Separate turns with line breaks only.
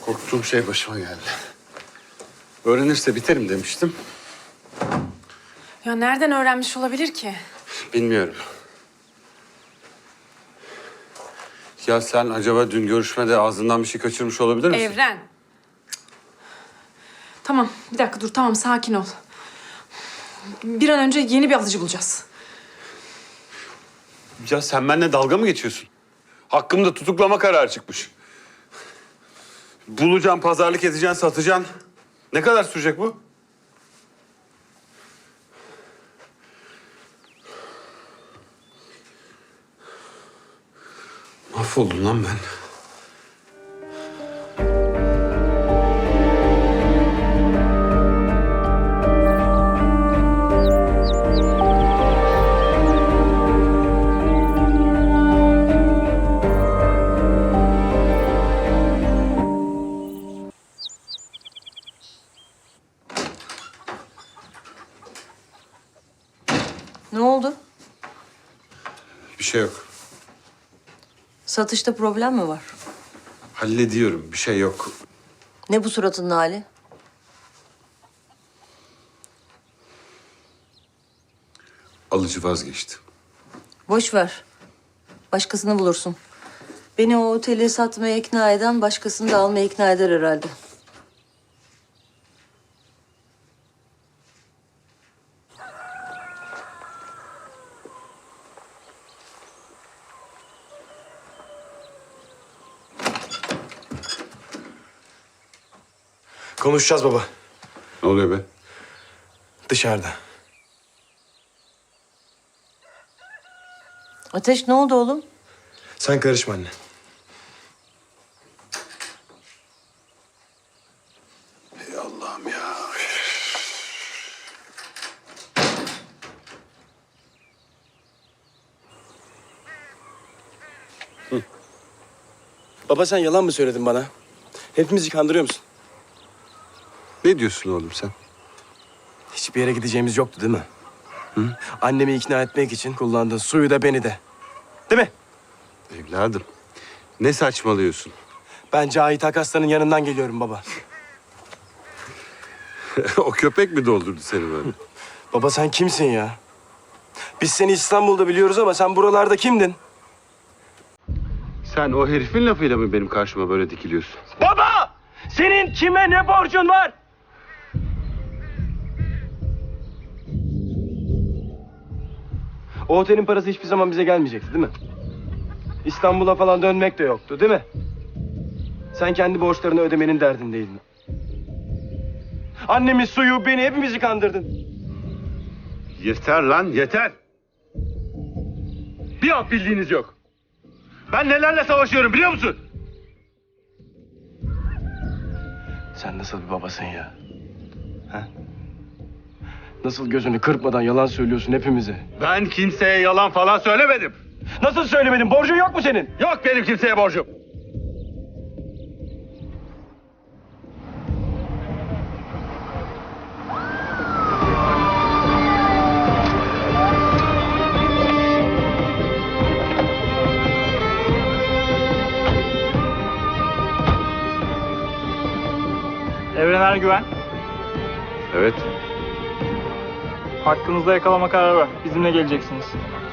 Korktuğum şey başıma geldi. Öğrenirse biterim demiştim.
Ya nereden öğrenmiş olabilir ki?
Bilmiyorum. Ya sen acaba dün görüşmede ağzından bir şey kaçırmış olabilir misin?
Evren. Tamam, bir dakika dur. Tamam, sakin ol. Bir an önce yeni bir alıcı bulacağız.
Ya sen benimle dalga mı geçiyorsun? Hakkımda tutuklama kararı çıkmış. Bulacaksın, pazarlık edeceksin, satacaksın. Ne kadar sürecek bu? Mahvoldum lan ben.
Ne oldu?
Bir şey yok.
Satışta problem mi var?
Hallediyorum, bir şey yok.
Ne bu suratının hali?
Alıcı vazgeçti.
Boş ver. Başkasını bulursun. Beni o oteli satmaya ikna eden başkasını da almaya ikna eder herhalde.
Konuşacağız baba.
Ne oluyor be?
Dışarıda.
Ateş ne oldu oğlum?
Sen karışma anne.
Ey Allah'ım ya.
Baba sen yalan mı söyledin bana? Hepimizi kandırıyor musun?
Ne diyorsun oğlum sen?
Hiçbir yere gideceğimiz yoktu değil mi? Hı? Annemi ikna etmek için kullandın suyu da beni de. Değil mi?
Evladım, ne saçmalıyorsun?
Ben Cahit Akaslan'ın yanından geliyorum baba.
O köpek mi doldurdu seni böyle?
Baba sen kimsin ya? Biz seni İstanbul'da biliyoruz ama sen buralarda kimdin?
Sen o herifin lafıyla mı benim karşıma böyle dikiliyorsun?
Baba! Senin kime ne borcun var? O otelin parası hiçbir zaman bize gelmeyecekti değil mi? İstanbul'a falan dönmek de yoktu değil mi? Sen kendi borçlarını ödemenin derdindeydin. Annemi, suyu, beni hepimizi kandırdın.
Yeter lan, yeter! Bir alt bildiğiniz yok. Ben nelerle savaşıyorum biliyor musun?
Sen nasıl bir babasın ya? Ha? Nasıl gözünü kırpmadan yalan söylüyorsun hepimize?
Ben kimseye yalan falan söylemedim.
Nasıl söylemedin? Borcun yok mu senin?
Yok benim kimseye borcum.
Evren Ergüven,
Evet.
hakkınızda yakalama kararı var. Bizimle geleceksiniz.